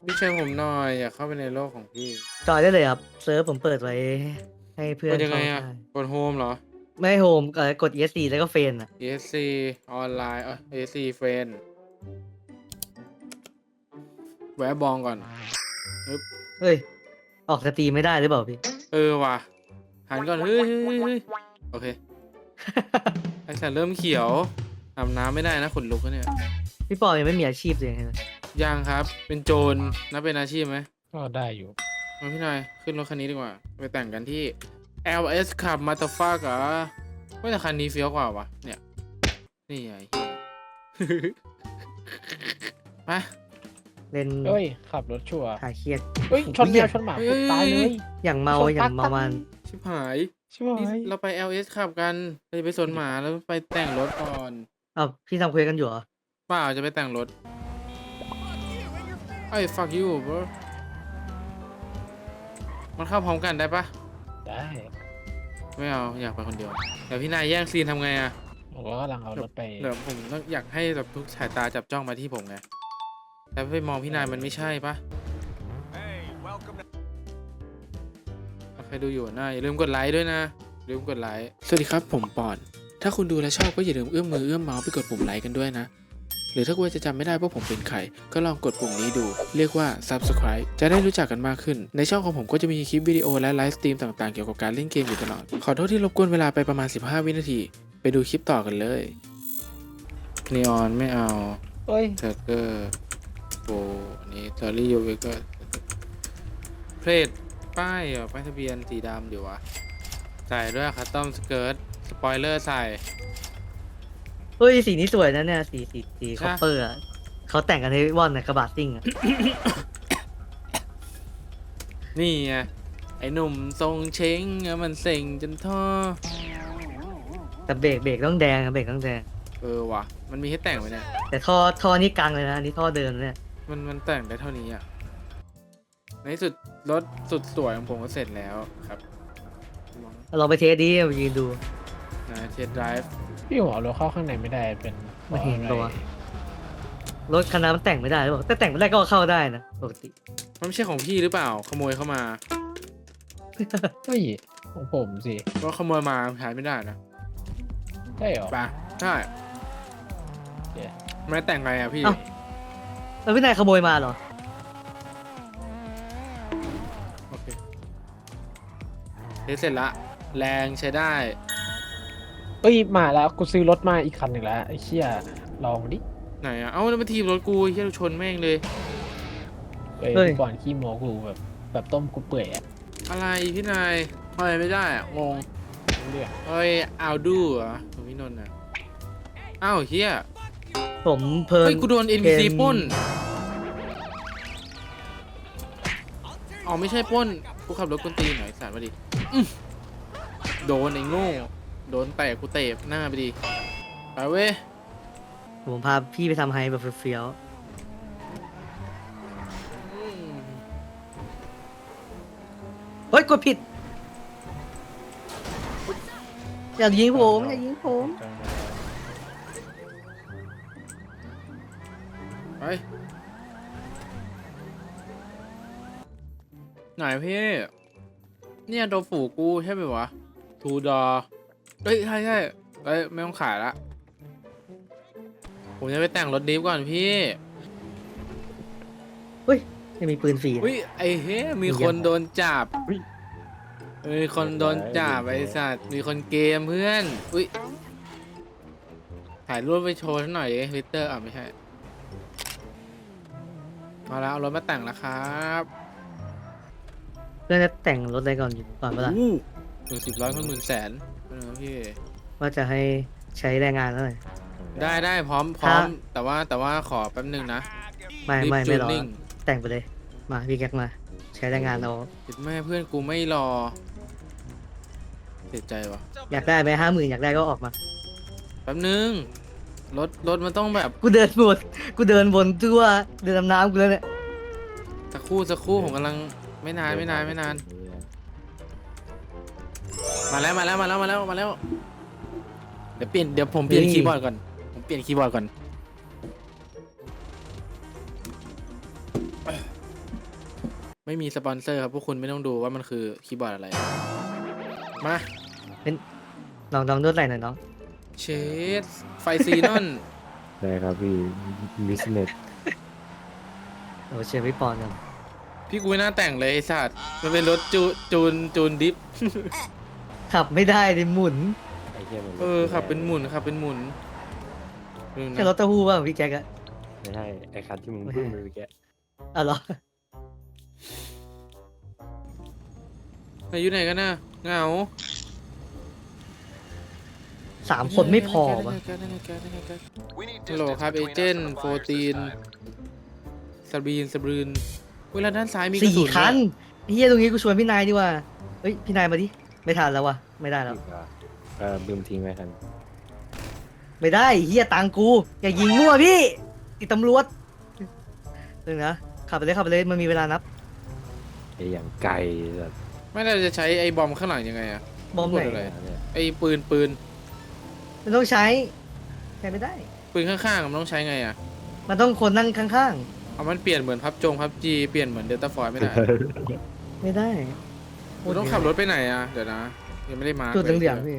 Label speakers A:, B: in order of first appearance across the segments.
A: พี่ช่วยผมหน่อยอยากเข้าไปในโลกของพี่
B: จอยได้เลยครับเซิร์ฟผมเปิดไว้ให้เพื่
A: ก
B: อน
A: ดยังไงอะ
B: เข้าได้
A: กดโฮมเหรอ
B: ไม่โฮมกด ESC แล้วก็เฟนอ่ะ
A: ESC ออนไลน์ESC Friend แวะบองก่อนปึ๊บ
B: เฮ้ยออกสตรีมไม่ได้หรือเปล่าพี่
A: ว่ะหันก่อนเฮ้ยโอเคไอสัตว์เริ่มเขียวอาบน้ำไม่ได้นะขนลุกแล้วเนี่ย
B: พี่ปอยังไม่มีอาชีพเลยนะ
A: ยังครับเป็นโจรนับเป็นอาชีพไหม
C: ก็ได้อยู่
A: มาพี่นายขึ้นรถคันนี้ดีกว่า ไปแต่งกันที่ LS ขับมาตาฟักเหรอว่าแต่คันนี้เฟี้ยวกว่าวะเนี่ย นี่ไงเหี้ย ไป
B: เล่น
C: เฮ้ยขับรถชัวร์
B: คลายเครียด
C: เฮ้ยชนแมวชนหมา
A: เฮ้ย
C: ปุ๊บตายเลย
B: อย่างเมา
C: ชน
B: อย่างเมา
C: ปั๊ก
B: มัน
A: ชิบหาย
C: ช่วย
A: นี่เราไป LS ขับกันเราจะไปสวนหมาแล้วไปแต่งรถก่อน
B: อ้าวพี่ทำเควสกันอยู่เหรอ
A: เปล่าจะไปแต่งรถไอ้ fuck you bro มันเข้าพร้อมกันได้ปะ
C: ได้
A: ไม่เอาอยากไปคนเดียวเดี๋ยวพี่นายแย่งซีนทำไงอะ
C: ผมก็กำลังเอารถไป
A: เดี๋ยวผมต้องอยากให้แบบทุกสายตาจับจ้องมาที่ผมไงแต่ไปมองพี่นายมันไม่ใช่ปะใครดูอยู่นะอย่าลืมกดไลค์ด้วยนะอย่าลืมกดไลค์สวัสดีครับผมปอนถ้าคุณดูแลชอบก็อย่าลืมเอื้อมมือเอื้อมเมาส์ไปกดปุ่มไลค์กันด้วยนะหรือถ้าคุณจะจำไม่ได้ว่าผมเป็นใครก็ลองกดปุ่มนี้ดูเรียกว่า Subscribe จะได้รู้จักกันมากขึ้นในช่องของผมก็จะมีคลิปวิดีโอและไลฟ์สตรีมต่างๆเกี่ยวกับการเล่นเกมอยู่ตลอดขอโทษที่รบกวนเวลาไปประมาณ15 วินาทีไปดูคลิปต่อกันเลยนีออนไม่เอา
C: เฮ้ย
A: เทอร์เกอร์โบอันนี้ตอรี่ยูเวก็เพลทป้ายป้ายทะเบียนสีดำเดี๋ยววะใส่ด้วยคัสตอมสเกิร์ตสปอยเลอร์ใส่
B: เฮ้ยสีนี้สวยนะเนี่ยสี
A: ใช่
B: คอปเปอร์อะเขาแต่งกันให้ว่อนนะกระบะซิ่งอะ
A: นี่ไงไอ้หนุ่มทรงเช้งอะมันเซ็งจนท่อ
B: แต่เบรกต้องแดงอะเบรกต้องแดง
A: ว่ะมันมีให้แต่งไหมเนี่ย
B: แต่ท่อนี่กังเลยนะอันนี่ท่อเดินเนี่ย
A: มันแต่งได้เท่านี้อ่ะในที่สุดรถสุดสวยของผมก็เสร็จแล้วครับ
B: ลองไปเทสดิมายืนดู
A: นะเทสไดรฟ์
C: พี่หัวรถเข้าข้างในไม่ได้เป็น
B: ไม่เห็น
C: พ
B: ตั
C: ราะ
B: ว
C: อะไร
B: รถคันนั้นมันแต่งไม่ได้หรือเปล่าแต่แต่งไม่ได้ก็เข้าได้นะปกติ
A: มันไม่ใช่ของพี่หรือเปล่าขโมยเข้ามา
C: เฮ้ยของผมสิ
A: ก็ขโมยมาใช้ไม่ได้นะ
C: ใช่เหรอ
A: ไปใช่
C: เดี๋ยว
A: ไม่แต่งไงอ่ะพี่
B: เอ้า แล้วพี่นายขโมยมาเหรอ
A: โอเคเทสเสร็จละแรงใช้ได้
C: เฮ้ยมาแล้วกูซื้อรถมาอีกคันหนึ่งแล้วไอ้เชี่ยลองดิ
A: ไหนอ่ะเอ้าแล้วมาทีบรถกูเฮียชนแม่งเลย
C: เฮ้ย
B: เฮ้ย
C: ก่อนขี้โมกูแบบต้มกูเปื่อยอะ
A: อะไรพี่นายทำไมไม่ได้อ่ะงง
C: เรื่อง
A: เฮ้ยเอาดูเหรอของพี่นนท์อ่ะอ้าวเฮีย
B: ผมเพลิน
A: เฮ้ยกูโดน NPC ปล้นอ๋อไม่ใช่ปล้นกูขับรถกวนตีนหน่อยสารมาดิโดนไอ้โง่โดนแตะกูเตะหน้าไปดิไปเว้ย
B: ผมพาพี่ไปทำไฮแบบเฟี้ยว
A: อืม
B: ๆเฮ้ยกดผิด อย่ายิงผมอย่ายิงผม
A: ไปไหนพี่เนี่ยโดฝูกูใช่ไหมวะทูดอเฮ้ยใช่เฮ้ยไม่ต้องขายละผมจะไปแต่งรถดิฟก่อนพี่
B: เฮ้ยยังมีปืนฟรีนะ
A: อุ้ยไอ้เฮ้ยมีคนโดนจับมีคนโดนจับไอ้สัตว์มีคนเกมเพื่อนอุ้ยถ่ายรูปไปโชว์หน่อยดิทวิตเตอร์อ่ะไม่ใช่มาแล้วเอารถมาแต่งแล้วครับ
B: เพื่อนจะแต่งรถอะไรก่อนอยู่ก่อนเวลา
A: 110 100 คน100,000เป็นไงพี่
B: ว่าจะให้ใช้แรงงานเท่าไหร่
A: ได้พร้อม
B: ถ้า
A: แต่ว่าขอแป๊บนึงนะ
B: ไม่
A: รีบ
B: ไม่รอ
A: จูนนิ่ง
B: แต่งไปเลย มาพี่แก๊กมา ใช้แรงงานเอา
A: ติดแม่เพื่อนกูไม่รอเสียใจวะ
B: อยากได้ไหม50,000อยากได้ก็ออกมา
A: แป๊บนึงรถมันต้องแบบ
B: กูเดินวนกูเดินวนทั่วเดินดำน้ำกูแล้วเนี่ย
A: สักครู่ผมกำลังไม่นานมาแล้วเดี๋ยวผมเปลี่ยนคีย์บอร์ดก่อนไม่มีสปอนเซอร์ครับพวกคุณไม่ต้องดูว่ามันคือคีย์บอร์ดอะไร มา
B: น้องนวดไหล่หน่อยน้อง
A: เชสไฟซีนอน
D: ได้ครับพี่บิสเนส
B: โอ้เชียร์พี่ปอนกัน
A: พี่กูไม่น่าแต่งเลยไอ้สัตว์มันเป็นรถจูนดิฟ
B: ขับไม่ได้ดิหมุน
D: ไอ้เหี้ยมัน
A: ขับเป็นหมุนขับเป็นหมุนดูนะ
B: แค่รถเต้าหู้บ้างพี่แจ็คอะ
D: ไม่ใช่ไอ้คันที่มึงพึ่งไปเมื่อกี้
B: อ๋อเหรอ
A: อยู่ไหนกันน่ะเหงา
B: 3 คนไม่พอปะ
A: ฮัลโหลครับเอเจนต์โฟตีนสบรีนเวลาด้านซ้ายมีกระสุน
B: 4 คันเฮียตรงนี้กูชวนพี่นายดีกว่าเฮ้ยพี่นายมาดิไม่ทันแล้ววะไม่ได้แล้ว
D: ลืมทิ้งไว้คัน
B: ไม่ได้เฮียตังกูอย่ายิงมั่วพี่ติดตำรวจนึงนะขับไปเลยมันมีเวลานับ
D: ไอ้อย่างไกลแบบ
A: ไม่ได้จะใช้ไอ้บอมข้างหลังยังไงอะ
B: บอมไหน
A: พูดอะไร
D: เนี่ย
A: ไอ้ปืน
B: มันต้องใช้ไม่ได้
A: ปืนข้างๆมันต้องใช้ไงอะ
B: มันต้องคนนั่งข้าง
A: เอามันเปลี่ยนเหมือนพับจีเปลี่ยนเหมือนเดลต้าฟอยไม่ได้
B: ๆไม่ได้
A: กูต้องขับรถไปไหนอะเดี๋ยวนะยังไม่ได้มา
B: จุดเหลืองๆพี่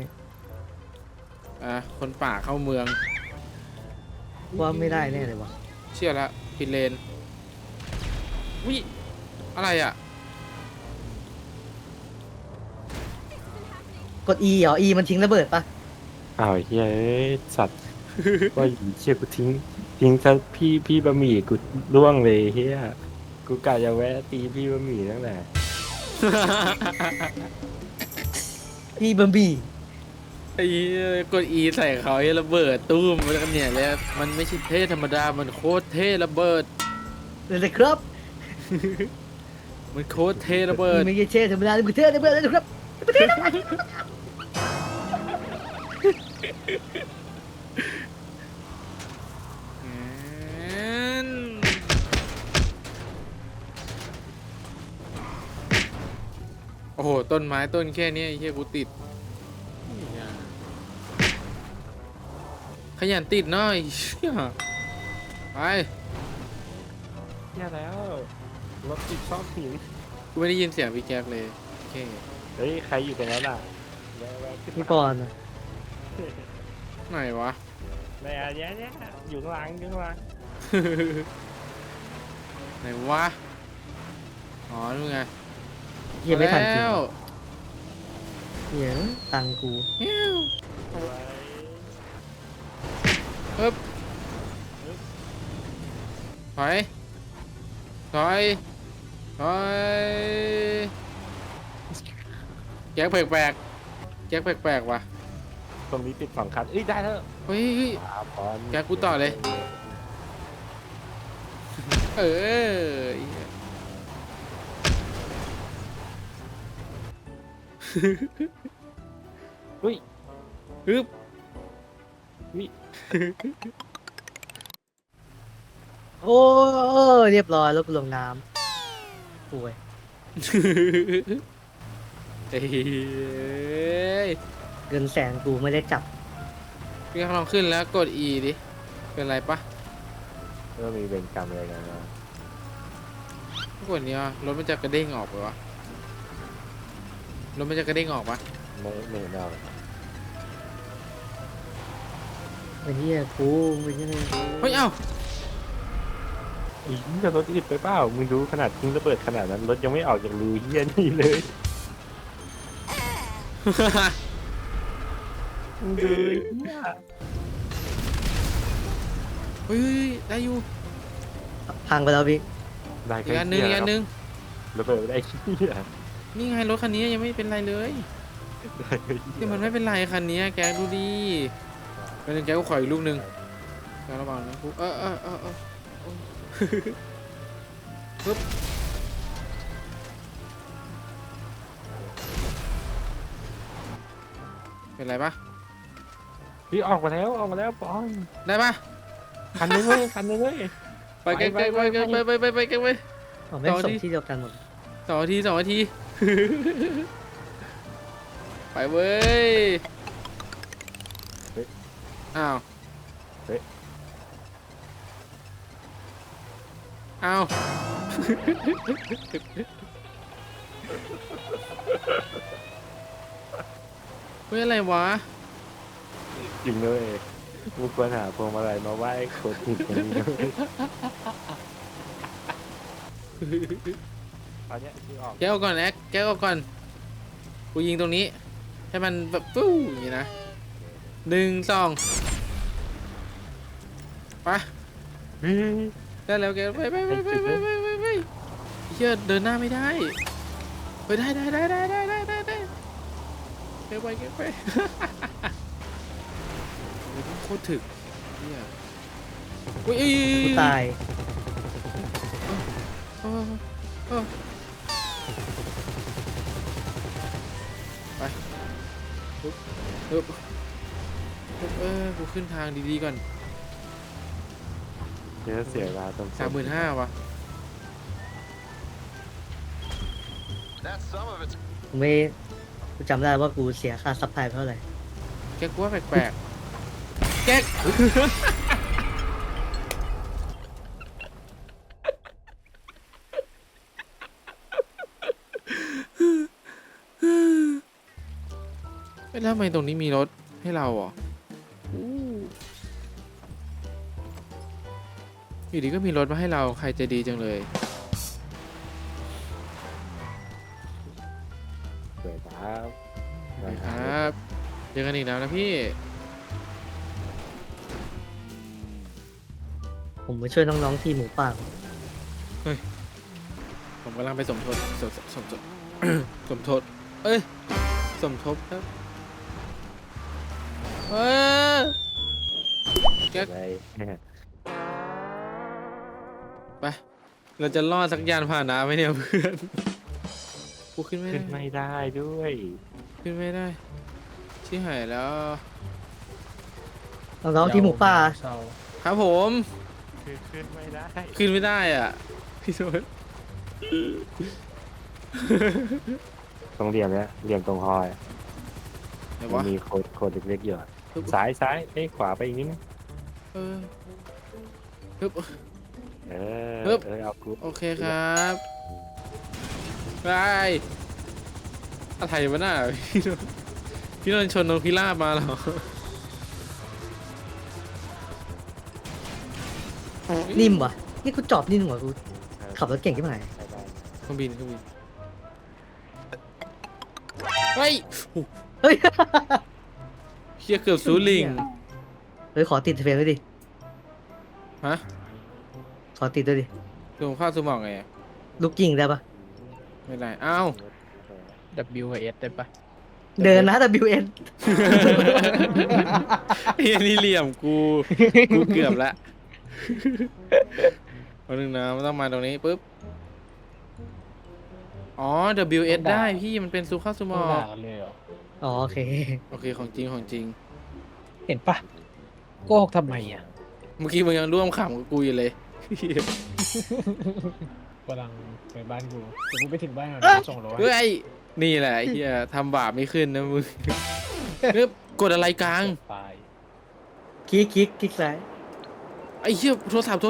A: คนป่าเข้าเมือง
B: ว่าไม่ได้แน่เลยวะ
A: เชื่อละผิดเลนวิอะไรอะ
B: กด E เหรอ E มันทิ้งระเบิดปะ
D: อ้าวไอ้เหี้ยเอ้ยสัตว์ว่าอยู่เชี่ยกูทิ้งซะพี่บะหมี่กูร่วงเลยเฮียกูกะจะแวะตีพี่บะหมี่ตั้งแต่
B: พี่บัมบี้
A: ไอ้กด E ใส่เขาไอ้ระเบิดตู้มมันเนี่ยแล้วมันไม่ใช่เท่ธรรมดามันโคตรเท่ระเบิด
B: เลยครับ
A: มันโคตรเท่ระเบิด
B: ไม่ใช่เช่ธรรมดาเลยคือเท่ธรรมดาเลยครับ
A: โอ้โหต้นไม้ต้นแค่นี้ไอ้เหี้ยกูติดขยันติดหน่อยเชี่ยไป
D: เฮียแล้วรถติดชอบหิน
A: กูไม่ได้ยินเสียงพี่แก๊กเลยโอเค
D: เฮ้ยใครอยู่ตรงนั้นอ่ะแวะขึ้น
B: พี่
D: มา
B: ปอนอะ
A: ไหนวะ
D: ในอันเนี้ยอยู่ข้างหลังอยู่ข้างหลัง
A: ไหนวะอ๋อนู่นไง
B: เฮียไม่ทันจริง
A: แล้ว
B: เฮียตังกู
A: ฮิ้ว
D: เอาไว้
A: ปึ๊บถอยถอยแก๊กแปลกๆแก๊กแปลกๆว่ะ
D: ตรงนี้ติด2 คันเอ้ยได้แล้ว
A: เฮ้ย
D: ปอน
A: แกกูต่อเลย เออไอ้เหี้ย
D: อุ้ย
A: ฮึบ
B: โอ้เรียบร้อยรถกูลงน้ำป่วย
A: เฮ้ย
B: เงินแสนกูไม่ได้จับ
A: พี่ลองขึ้นแล้วกด E ดิ เป็นไรปะ
D: เริ่มมีเวรกรรมอะไรกันนะ
A: กดนี้วะรถมันจะกระเด้งออกไปวะรถมันจะกระเด้งออกปะ
D: ไม่เห็นเอา
B: เป็นเฮียกูเป็นเฮีย
A: เฮ้ยเอ้า
D: อีกจะรถติดไปเปล่ามึงดูขนาดทิ้งระเบิดขนาดนั้นรถยังไม่ออกจากรูเฮียนี่เลยมึงดูเฮีย
A: เฮ้ยได้อยู่
B: พังไปแล้วพี่
D: ได้
A: อีกอันนึงอีกอันนึง
D: ระเบิดไม่ได้เฮีย
A: นี่ไงรถคันนี้ยังไม่เป็นไรเลยที่มันไม่เป็นไรคันนี้แกดูดิเป็นงแกก็ขออีกลูกหนึ่งแกระวังนะกูปึ๊บเป็นไรปะ
D: พี่ออกมาแล้วปอน
A: ได้ปะ
D: คันนึงเว้ยคันนึงเว้ย
A: ไปไกลๆไปไกลๆไปไกลๆ
B: ผมไม่ง
A: ต่อ
B: ส่
A: ดิ
B: งที่เดียวกันหมด
A: 2 นาที ไปเว้ยอ้าวอ้าวเฮ้ยอะไรวะ
D: จริงด้วยมึงควรหาพวงมาลัยมาไหว้คนผิดคนนี้ด้วยตอนเนี้ยที่ออก
A: แกเอาก่อนแอ๊กแกเอาก่อนกูยิงตรงนี้ให้มันแบบปู้อย่างนี้นะ1 2ไป
D: เฮ้ย
A: ได้แล้วแกไปเฮียเดินหน้าไม่ได้ไปได้แกไปโคตรถึกเฮียอุ้ย
B: กูตาย
A: ไปปึ๊บกูขึ้นทางดีๆก่อน
D: เดี๋ยวเสียเวลาตรง
A: 35,000วะ
B: กูไม่กูจำได้ว่ากูเสียค่าซัพพลายเท่าไหร่
A: แกกลัวแปลกๆแกแล้วทำไมตรงนี้มีรถให้เราอ่ะอยู่ดีก็มีรถมาให้เราใครใจะดีจังเลย
D: สวยครับ
A: ครับเจอกันอีกแล้วนะพี่
B: ผมมาช่วยน้องๆทีมหมูป่า
A: ผมกำลังไปสมทบสมทบ สมทบเอ้ยสมทบครับแก
D: ไป
A: ไปเราจะรอดสักยานพาหนะไหมเนี่ยเพื่อนกูขึ้นไม่
D: ขึ้น
A: ได้
D: ไม่ได้ด้วย
A: ขึ้นไม่ได้ชิบหายแล้ว
B: น้องๆทีมหมูป่า
C: เศร้า
A: ครับผม
D: ขึ้นไม่ได้
A: ขึ้นไม่ได้อ่ะพี่โซน
D: ตรงเหลี่ยมเนี้ยเหลี่ยมตรงคอย
A: ไหน
D: มั
A: วะ
D: นมีโคดเล็กๆอยู่อะซ้ายเอ้ยขวาไปอีกนิดนึง
A: เออฮึบ
D: เอ
A: ปึ๊บ
D: เอากู
A: โอเคครับไปอะไรวะน่ะพี่นนท์ชนนกพิราบมาเหรอ
B: นิ่มว่ะนี่กูจอบนิ่มกว่ากูขับรถเก่งขึ้นมา
D: ได้
A: เครื่องบินเฮ้ยโอ้
B: เฮ้ย
A: เฮียเกือบซูลิง
B: เฮ้ยขอติดเฟรมด้วยดิ
A: ฮะ
B: ขอติดด้วยดิ
A: ลงข้าวสมองไงอะ
B: ลูกยิงได้ปะ
A: ไม่ได้อ้าว
C: W กับ S ได้ปะ
B: เดินนะ WN
A: เฮียนี่เหลี่ยมกูเกือบละเอาหนึ่งนะมันต้องมาตรงนี้ปุ๊บอ๋อ WS ได้พี่มันเป็นซูข้าวสม
C: ไม่
A: อง
C: ด่ากันเลยเหรอ
B: อ๋อโอเค
A: โอเคของจริงของจริง
C: เห็นปะโกหกทำไมอ่ะ
A: เมื่อกี้มึงยังร่วมขำกับกูอยู่เลย
C: กำลังไปบ้านกูแต่กูไปถึงบ้านก่อน
B: เอ้ย
C: ส่งรถ
A: เฮ้ยนี่แหละไอ้เฮียทำบาปไม่ขึ้นนะมึงเฮ้ยกดอะไรกลาง
C: ตาย
B: คลิกซ้าย
A: ไอ้เฮียโทรศัพท์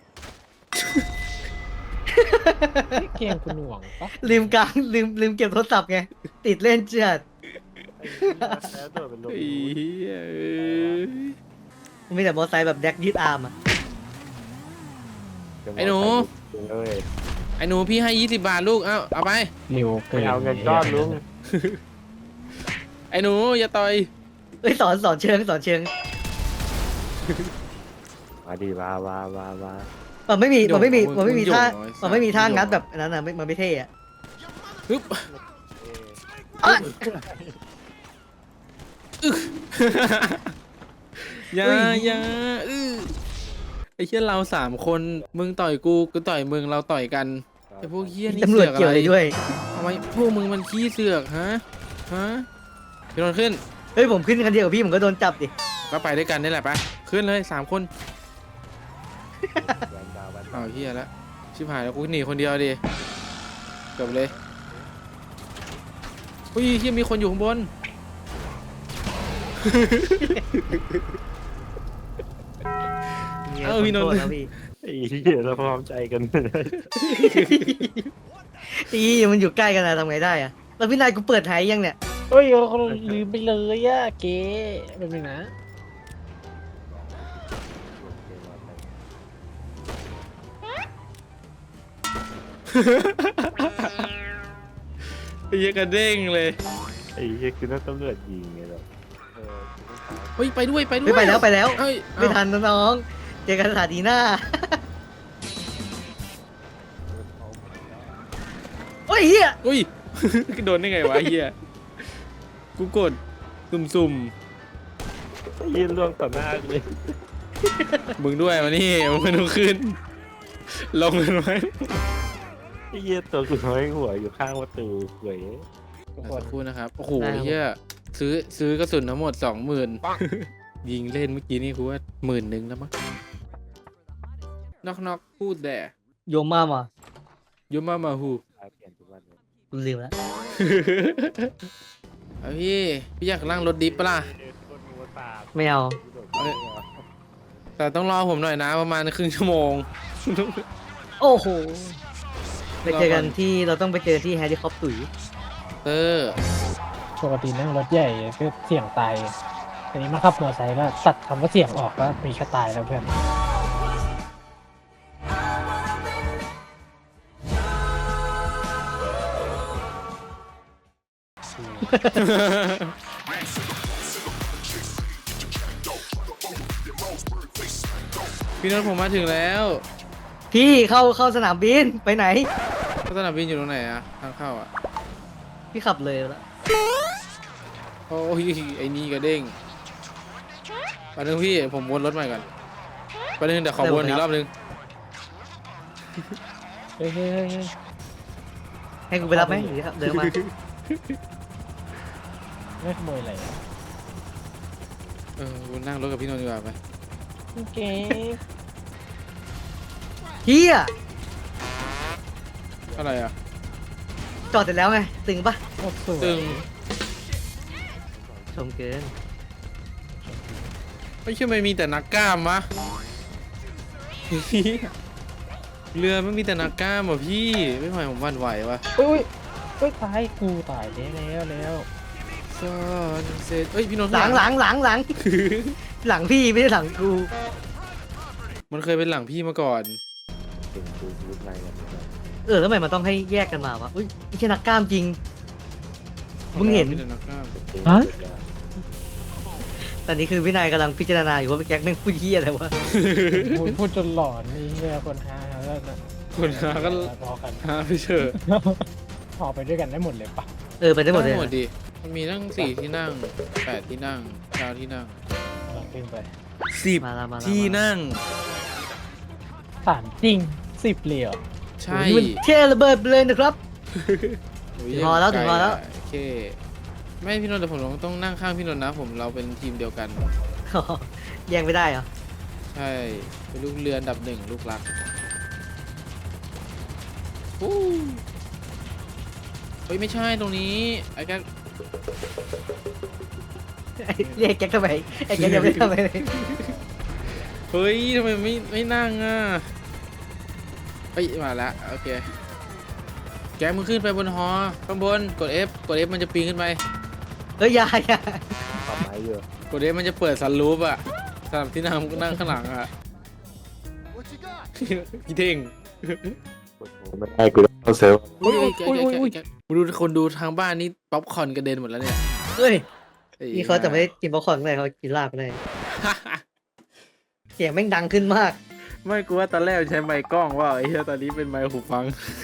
C: เกมกูหน่วงปะ
B: ลืมกลางลืมเก็บโทรศัพท์ไง ติดเล่นเจือด
D: แล้วตัวเป็นลม
A: ไอ้เฮียเอ้ย
B: มีแต่มอเตอร์ไซค์แบบแดกยืดอาร์มอ่ะ
A: ไอ้หนู
D: เอ้ย
A: ไอ้หนูพี่ให้20 บาทลูกเอาไป
C: เร็วเกิ
D: ไม่
C: น
D: เอาเงินก้อนลุง
A: ไอ้หนูอย่าต่อย
B: เอ้ยสอนเชิง
D: มาดีมา
B: มันไม่มีท่า
A: โยน
B: มันไม่มีท่า
A: โยน
B: งัดแบบนั้นอ่ะมันไม่เท่อะ
A: ฮึบ อย่าไอ้เหี้ยเรา3 คนมึงต่อยกูต่อยมึงเราต่อยกันไอ้พวกเหี้ยนี่
B: ตำรวจ
A: เสือก
B: เกี่ยว
A: อะ
B: อะไร ไรด้วย
A: ทำไมพวกมึงมันขี้เสือกฮะพี่นนท์ขึ้น
B: เฮ้ยผมขึ้นคันเดียวกับพี่ผมก็โดนจับดิ
A: ก็ไปด้วยกันนี่แหละไปขึ้นเลย3 คน
D: วันดาว
A: เอาเหี้ยแล้วชิบหายแล้วกูหนีคนเดียวดิจบเลยอุ้ยเหี้ยมีคนอยู่ข้างบน เอ้าพี่นนท์
B: ขอโทษนะพี่
D: ไอ้เหี้ยเราพร้อมใจกัน
B: อีมันอยู่ใกล้กันนะทำไงได้อะแล้วพี่นายกูเปิดไทยยังเนี่ย
C: เฮ้ยเขาลืมไปเลยอะเก๋แบบนึงนะ
A: ไอ้เหี้ยกระเด้งเลย
D: ไอ้เหี้ยคือนักตำรวจยิงไงแบบกูต้องหา
A: เฮ้ยไปด้วยไปด้ว
B: ไม่
A: ย
B: ไปแล้วไปแล้ว
A: เอ้ย
B: ไม่ทันนะน้อง เจอกันสถานีหน้าโอ้ยเฮีย
A: อุ้ย โดนได้ไงวะไอ้เหี้ยกูกดสุ่ม
D: ไอ้เหี้ยล่วงต่อหน้าเลย
A: ๆมึงด้วยมานี่มึงไม่ต้องขึ้น ลงกันไว้
D: ไอ้เหี้ยตัวกูน้อยหัวอยู่ข้างประตูเว้ย
C: ทุกค
A: สั
C: น
A: กครู่นะครับโอ้โหเหี้ยซื้อกระสุนทั้งหมด 20,000 ยิงเล่นเมื่อกี้นี่กูว่า10,000แล้วมั้งนอกพูดแต่
B: โยมมามา
A: ยุมามาฮู
D: เปลี่ยนทุกวันเลย
B: กูลืมแล้ว
A: เอาพี่อยากนั่งรถดิฟปะล่ะ
D: คนหัวตา
B: ไม่เอา
A: แต่ต้องรอผมหน่อยนะประมาณครึ่งชั่วโมง
B: โอ้โห ไปเจอกันที่เราต้องไปเจอที่แฮร์รี่คอปตุ๋ย
A: เตอร์
C: ปกตินั่งรถใหญ่ก็เสี่ยงตายอันนี้มาขับมอเตอร์ไซค์ก็ตัดคำว่าเสี่ยงออกก็มีแค่ตายแล้วเพื่อน
A: พี่นนท์ผมมาถึงแล้ว
B: พี่เข้าสนามบินไปไหน
A: สนามบินอยู่ตรงไหนอะทางเข้าอะ
B: พี่ขับเลยแล้ว
A: โอ้ยไอ้นี่กระเด้งไปนึงพี่ผมวนรถใหม่ก่อนไปนึงเดี๋ยวขอวนอีกรอบนึง
C: เฮ้ยเฮ้ยเฮ้ยเฮ้ย
B: ให้กูไปรับไหมหรือเดินมา
C: ไม่ขโมยอะไรอะ
A: วนนั่งรถกับพี่นนท์ดีกว่าไป
C: เก๋
B: เฮีย
A: อะไรอะ
B: จอดเสร็จแล้วไง ตึงปะ
C: โคตรสวย
A: ตึง
B: ชมเกิน
A: ไม่ใช่ไม่มีแต่นักกล้ามวะ เรือไม่มีแต่นักกล้ามอ่ะพี่ไม่ไหวผมหวั่นไหววะ
C: อุ้ยอุ้ยตายกูตายแล้ว
A: ซ่อนเสร็จเอ้ยพี่นนท์
B: หลังหพี่ไม่ใช่หลังกู
A: มันเคยเป็นหลังพี่มาก่อน
D: ถึงกูรูปไรกันเนี่ย
B: แล้วทำไมมันต้องให้แยกกันมาวะอุ้ยไม่ใช่นักกล้ามจริง มึงเห็น
A: มีแต่นักกล้าม
B: ตอนนี้คือวินัยกำลังพิจารณาอยู่ว่าแจ็คแม่งพูดเฮียอะไรวะ
C: พูดจนหลอนนี่เฮียคนหาแล้วนะ
A: คนหาก็
C: พอกัน
A: หาไปเถอะ
C: พอไปด้วยกันได้หมดเลยปะ
B: ไปได้หมดเลย
A: หมดดิมันมีตั้ง4 ที่นั่ง8 ที่นั่ง9 ที่นั่ง
C: ลองขึ้นไป
B: มาละมาละ
A: ที่นั่ง
C: ถามจริง10เลยเหรอ
A: ใช่
B: โอ้ยมันเท่ระเบิดไปเลยนะครับ
A: โย
B: ถึงพอแล้วถึงพอแล้ว
A: โอเคไม่พี่นนท์แต่ผมต้องนั่งข้างพี่นนท์นะผมเราเป็นทีมเดียวกัน
B: แย่งไม่ได้เหรอ
A: ใช่เป็นลูกเรืออันดับ1ลูกรักฮู้เฮ้ยไม่ใช่ตรงนี้ไอ้แก
B: เรียกแจ็คทำไมไอ้แจ็คยังไม่ทำอะไรเลย
A: เฮ้ยทำไมไม่นั่งอ่ะเฮ้ยมาแล้วโอเคแกมึงขึ้นไปบนหอข้างบนกด F มันจะปีนขึ้นไป
B: อย่า
D: ทำไมอยู่
A: กด F มันจะเปิดซันรูฟอ่ะสำหรับที่นั่งข้างหลังอ่ะพี่เท่ง
D: ไม่ได้กูต้องเซิร์ฟ
A: อุ้ยแกดูคนดูทางบ้านนี่ป๊อปคอร์นกระเด็นหมดแล้วเนี่ย
B: เฮ้ย
A: ไอ้
B: นี่เขาจะไม่ได้กินป๊อปคอร์นเลยเขากินลาบเลยเสียงแม่งดังขึ้นมาก
A: ไม่กูว่าตอนแรกใช้ไมค์กล้องว่าไอ้เหี้ยตอนนี้เป็นไมค์หูฟัง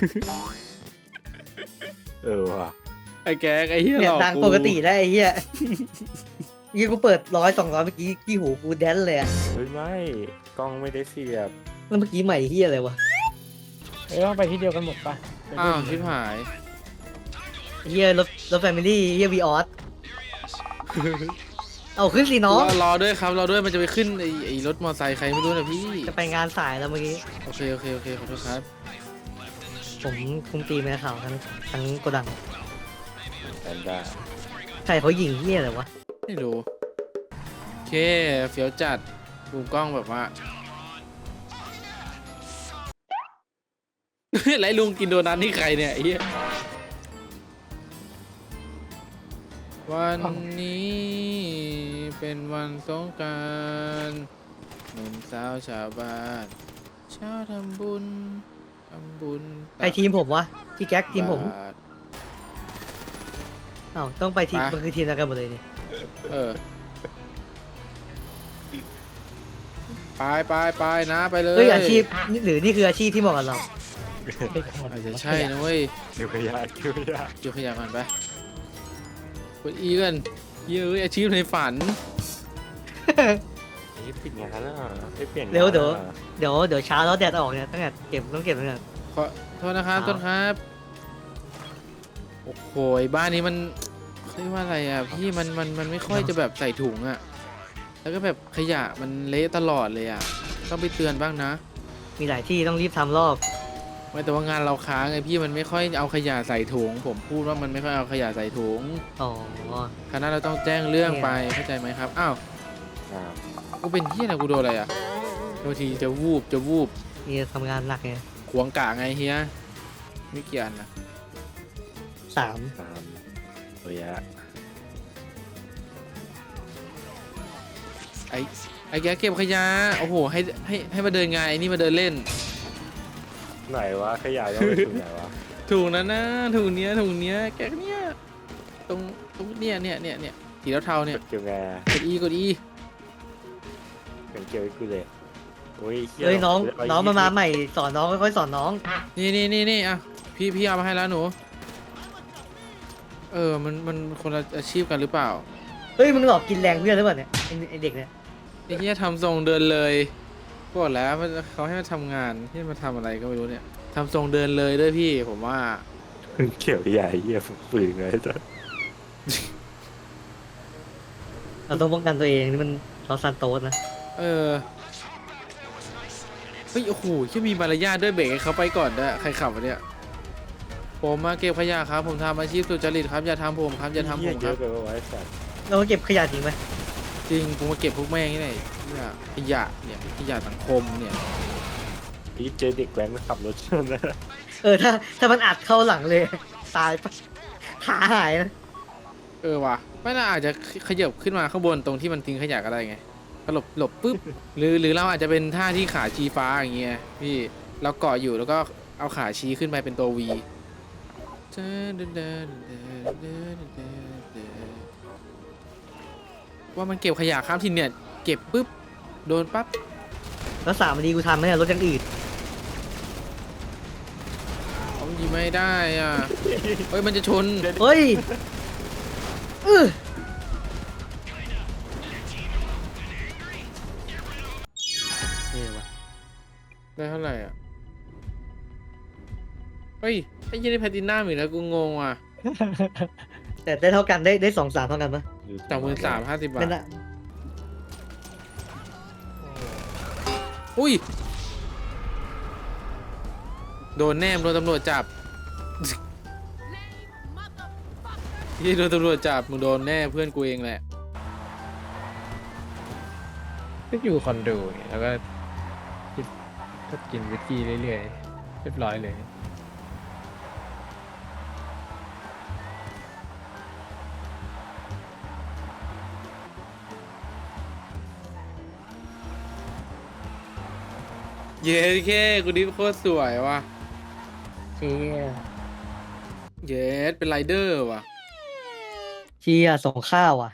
D: ว่ะ
A: ไอ้แกไอ้เหี้ย
B: เนี่
A: ห
B: ย
A: ลอก
B: ดังปกติได้ไอ้เหี้ยยี่กูเปิด100-200เมื่อกี้ที่หูกูแดนเลยอะ
D: เฮ้ยไม่กล้องไม่ได้เสียบ
B: แล้วเมื่อกี้ใหม่เหี้ยอะไรวะ
C: ต้องไปที่เดียวกันหมดปะ
A: อ้าวชิบหาย
B: เหี้ยรถแฟมิลี่เหี้ยวีออสเอาขึ้นสิน้อง
A: รอด้วยครับรอด้วยมันจะไปขึ้นไอ้รถมอเตอร์ไซค์ใครไม่รู้นะพี่
B: จะไปงานสายแล้วเมื่อกี้
A: โอเคขอโทษครับ
B: ผมคุมตีมในข่าวทั้งโกดัง
D: แอนด้า
B: ใครเขายิงเหี้ยอะไรวะ
A: ไม่รู้โอเคเฟี้ยวจัดมุมกล้องแบบว่าไรลุงกินโดนัทนี่ใครเนี่ยไอ้เหี้ยวันนี้เป็นวันสงกรานต์หนุ่มสาวชาวบ้านเช้าทำบุญ
B: ใครทีมผมวะพี่แก๊กทีมผม
A: บาท
B: อ้าวต้องไปทีม
A: ไป
B: มันคือทีมเดียวกันหมดเลยนี่
A: เออไปนะไปเลย
B: เฮ้ยอาชีพหรือนี่คืออาชีพที่เหมาะกับเรา
A: อาจจะใช่นะเว้ย
D: เกี่ยวขยะเกี่ยวขยะ
A: เกี่ยวขยะก่อนไปกดอีกันเยอะอาชีพในฝัน
D: ไอ้ปิดงานแล้วไม่เปลี่ยน
B: เร็วเดี๋ยวเช้าแล้วแดดออกเนี่ยต้องเก็บตั้งแต่
A: ขอโทษนะครับ
B: ครับ
A: ต้นครับโอ้โหบ้านนี้มันเรียกว่าอะไรอ่ะพี่มันไม่ค่อยจะแบบใส่ถุงอ่ะแล้วก็แบบขยะมันเละตลอดเลยอ่ะต้องไปเตือนบ้างนะ
B: มีหลายที่ต้องรีบทำรอบ
A: ไม่แต่ว่างานเราค้างไงพี่มันไม่ค่อยเอาขยะใส่ถุงผมพูดว่ามันไม่ค่อยเอาขยะใส่ถุง
B: อ๋อ
A: คณะเราต้องแจ้งเรื่อง
B: เนี่ย
A: ไปเข้าใจไหมครับอ้าว
D: ครับ
A: กูเป็นเฮียอะไรกูโดนอะไรอ่ะบางทีจะวูบ
B: นี่ทำงานหนักไง
A: ขวงกะไงเฮียไม่เกี่ยนนะ
B: 3
D: ตามระยะ
A: ไอ้แกเก็บขยะโอ้โหให้มาเดินไงานไอ้นี่มาเดินเล่น
D: ไหนวะขยะยังไม่ถึงไหนวะ
A: ถุงนั้นนะถุงเนี้ยแกเนี้ยตรงเนี่ยสีเทาๆเนี่ย
D: เกี่ยวไง
A: กดอี
D: เป็นเกี่ยวกับกูเลยโอ้ย
B: เฮ้ยน้องมาใหม่สอนน้องค่อยๆสอนน้อง
A: นี่อ่ะพี่เอามาให้แล้วหนูมันคนละอาชีพกันหรือเปล่า
B: เฮ้ยมึงหลอกกินแรงเพื่อนหรือเปล่าเนี่ยไอ้เด็กเนี่ย
A: ไอ้เนี้ยทำทรงเดินเลยบอกแล้วเขาให้มาทำงานที่มาทำอะไรก็ไม่รู้เนี่ยทำทรงเดินเลยด้วยพี่ผมว่า
D: เกี่ยวใหญ่เหี้ยฝืนเลยจ้ะ
B: เราต้องป้องกันตัวเองนี่มันเราซันโตสนะ
A: เฮ้ยโอ้โหแค่มีมารยาทด้วยเบรกให้เขาไปก่อนด้วยใครขับวะเนี่ยผมมาเก็บขยะครับผมทำอาชีพสุจริตครับอย่าทำผมครับอย่าทำผม
D: เย
A: ครั
D: อะ
A: บ
D: เกินไปไว้สัตว์
B: เราก็เก็บขยะทิ้งไหม
A: จริงผมมาเก็บพวกแม่งนี่ไหนขยะเนี่ยขยะสังคมเนี่ย
D: พี่เจอเด็กแว้นขับรถชนนะ
B: ถ้ามันอัดเข้าหลังเลย ตายปะขาหายนะ
A: ว่ะไม่น่าอาจจะขยับขึ้นมาข้างบนตรงที่มันทิ้งขยะก็ได้ไงก็หลบปุ๊บหรือเราอาจจะเป็นท่าที่ขาชี้ฟ้าอย่างเงี้ยพี่เราเกาะอยู่แล้วก็เอาขาชี้ขึ้นไปเป็นตัว V ว่ามันเก็บขยะข้ามทินเนี่ยเก็บปุ๊บโดนปั๊บ
B: แล้ว3 นาทีกูทำไหมเนี่ยรถยังอืด
A: เขายิงไม่ได้อ่ะเฮ้ยมันจะชน
B: เฮ้ยนี่วะ
A: ได้เท่าไหร่อ่ะเฮ้ยไอ้ยี่นี่แพลตินัมอีกแล้วกูงงอ่ะ
B: แต่ได้เท่ากันได้2-3เท่ากันปะ
A: 23,50 บา
B: ไม่
A: ท
B: น่า
A: อุ้ยโดนแนมโดนตำรวจจับ ยี่โดนตำรวจจับมึงโดนแน่เพื่อนกูเองแหละ
C: ก็อยู่คอนโดไงแล้วก็กินวิสกี้เรื่อยๆเรียบร้อยเลย
A: เย้แค่กูดิฟโคตรสวยว่ะ
B: เชี่ย
A: เย้เป็นไรเดอร์ว่ะ
B: เชี่ยส่งข้าวอ่ะ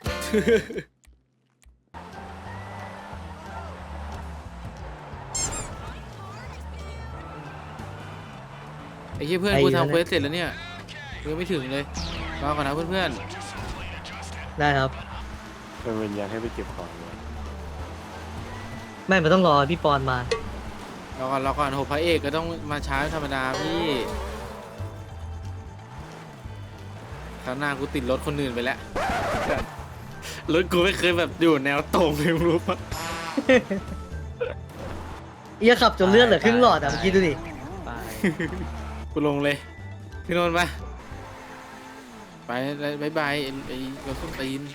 A: ไอ้เหี้ยเพื่อนกูทำเควสเสร็จแล้วเนี่ยกูยังไม่ถึงเลยรอก่อนนะเพื่อน
B: ได้ครับ
D: เป็นวิญญาณให้ไปเก็บของเลย
B: ไม่มันต้องรอพี่ปอนมา
A: ๆรอก่อนโหพระเอกก็ต้องมาช้าธรรมดาพี่คราวหน้ากูติดรถคนอื่นไปแล้ว รถกูไม่เคยแบบอยู่แนวตรงเลยมึงรู้ปะ
B: เอียขับจนเลือดเหลือครึ่งหลอดอ่ะเมื่อกี้ดูดิ
A: กูลงเลยพี่นนท์ไปบายบายไอ้รถส้นตีน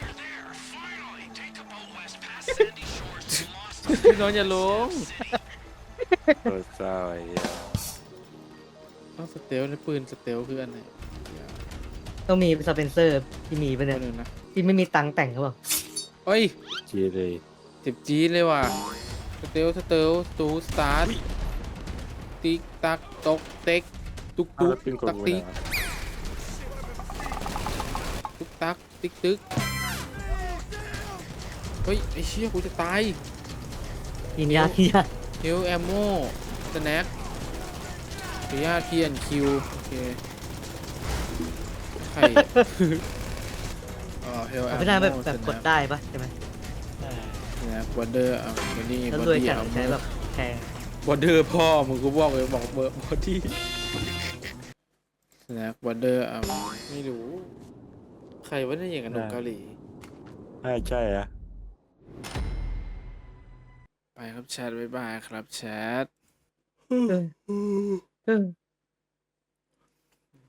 A: พี่นนท์อย่าลง
D: โคตรเศร้าไอ้เหี้ย
A: ต้องสเตลในปืนสเตลคืออันไหน
B: ต้องมีสเปนเซอร์ที่มีปะ
A: เนี่
B: เนี่ย ย
A: นะ
B: ที่ไม่มีตังค์แต่งหรือเปล่า
A: เอ้ย
D: เจีเลย
A: เจ็บจี๊ดเลยว่ะสเตลตูสตาร์ทติ๊กตักตกเต็กตุก
D: เอา
A: ตุ
D: แล้ว
A: ก
D: ปืนกล
A: ตัก
D: กู
A: ติ๊ก
D: นะ
A: ตุกตักติ๊กตึกเฮ้ยไอ้เชี่ยกูจะตาย
B: กินยากินยา
A: เฮลแอมโมสแน็คขออนุญาตทีแอนคิวโอเคใครอ๋อเฮลแอมโม
B: ไม่ได้แบบกดได้ปะใช่ไหม
A: สแน็คบอดเดอร์อ่ะบอดี้
B: แล้ว
A: บอ
B: รวย
A: ดี้
B: จัด
A: อ่ะ
B: ใช้แบบแพง
A: บอดเดอร์พ่อมึงก็บอกเลยบอกเบอร์บอดี้สแน็คบอดเดอร์อ่ะไม่รู้ ใครว่าได้อย่างกับหนุ่มเกาหลี
D: ใช่อะ
A: ไปครับแชทบ๊ายบายครับแชท
B: เออ